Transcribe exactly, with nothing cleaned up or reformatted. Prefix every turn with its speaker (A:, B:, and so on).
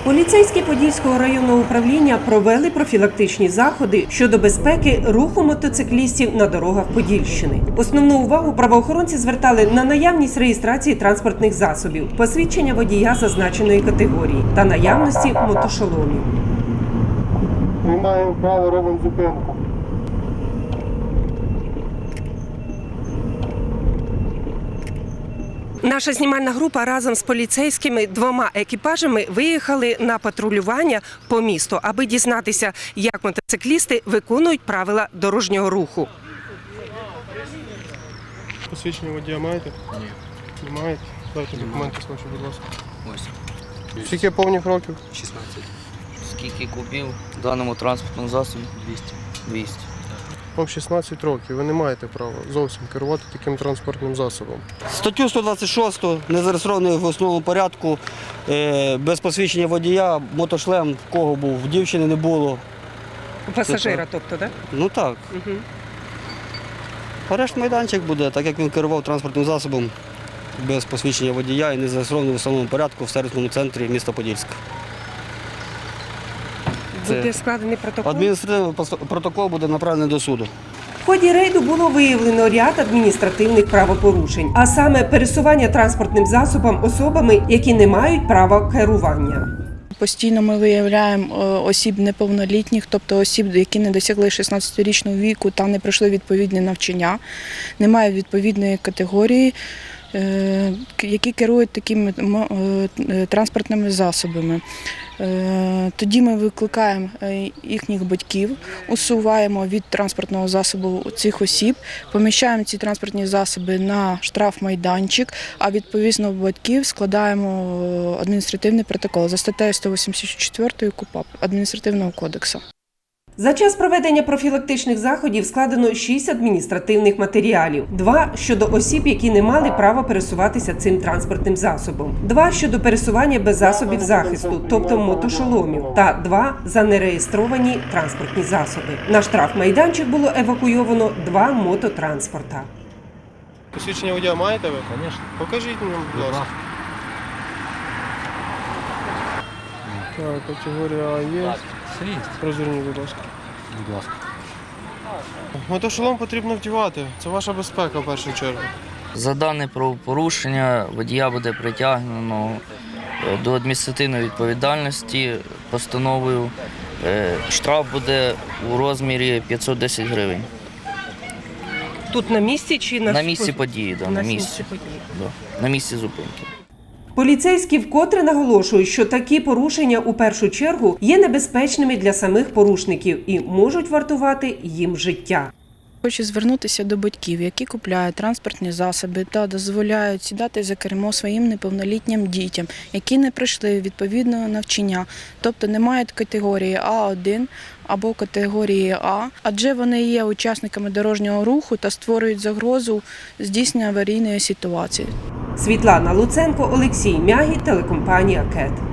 A: Поліцейські Подільського районного управління провели профілактичні заходи щодо безпеки руху мотоциклістів на дорогах Подільщини. Основну увагу правоохоронці звертали на наявність реєстрації транспортних засобів, посвідчення водія зазначеної категорії та наявності мотошоломів.
B: Приймаємо право, робимо зупинку.
A: Наша знімальна група разом з поліцейськими двома екіпажами виїхали на патрулювання по місту, аби дізнатися, як мотоциклісти виконують правила дорожнього руху.
B: Посвідчення водія маєте?
C: Ні.
B: Не маєте? Дайте документи свої, будь ласка.
C: Ось.
B: Скільки повних років?
C: шістнадцять. Скільки купив в даному транспортному засобі? двісті. двісті.
B: Вам шістнадцять років, ви не маєте права зовсім керувати таким транспортним засобом.
D: Статтю сто двадцять шість, незареєстрований в основному порядку, е, без посвідчення водія, мотошлем в кого був, в дівчини не було.
A: У пасажира, тобто, так?
D: Ну так.
A: Угу.
D: Арешт майданчик буде, так як він керував транспортним засобом без посвідчення водія і не зареєстрований в основному порядку в сервісному центрі міста Подільська.
A: Буде складений протокол?
D: Адміністративний протокол буде направлений до суду.
A: В ході рейду було виявлено ряд адміністративних правопорушень, а саме пересування транспортним засобом особами, які не мають права керування.
E: Постійно ми виявляємо осіб неповнолітніх, тобто осіб, які не досягли шістнадцятирічного віку та не пройшли відповідне навчання, не мають відповідної категорії, які керують такими транспортними засобами. Тоді ми викликаємо їхніх батьків, усуваємо від транспортного засобу цих осіб, поміщаємо ці транспортні засоби на штрафмайданчик, а відповідно батьків складаємо адміністративний протокол за статтею сто вісімдесят чотири КУпАП Адміністративного кодексу.
A: За час проведення профілактичних заходів складено шість адміністративних матеріалів. Два – щодо осіб, які не мали права пересуватися цим транспортним засобом. Два – щодо пересування без засобів захисту, тобто мотошоломів. Та два – за нереєстровані транспортні засоби. На штрафмайданчик було евакуйовано два мототранспорта.
B: Посвідчення водія маєте ви? Звісно. Покажіть мені, будь ласка. Так, категорія А є. Розверніть, будь ласка.
C: Будь ласка.
B: Мотошолом потрібно вдівати. Це ваша безпека в першу чергу.
C: За дане правопорушення водія буде притягнено до адміністративної відповідальності постановою. Штраф буде у розмірі п'ятсот десять гривень.
A: Тут на місці чи на...
C: На місці події, да, на,
A: на
C: місці.
A: місці події.
C: Да, на місці зупинки.
A: Поліцейські вкотре наголошують, що такі порушення у першу чергу є небезпечними для самих порушників і можуть вартувати їм життя.
E: Хочу звернутися до батьків, які купляють транспортні засоби та дозволяють сідати за кермо своїм неповнолітнім дітям, які не пройшли відповідного навчання, тобто не мають категорії А один або категорії А, адже вони є учасниками дорожнього руху та створюють загрозу здійснення аварійної ситуації.
A: Світлана Луценко, Олексій Мягі, телекомпанія КЕТ.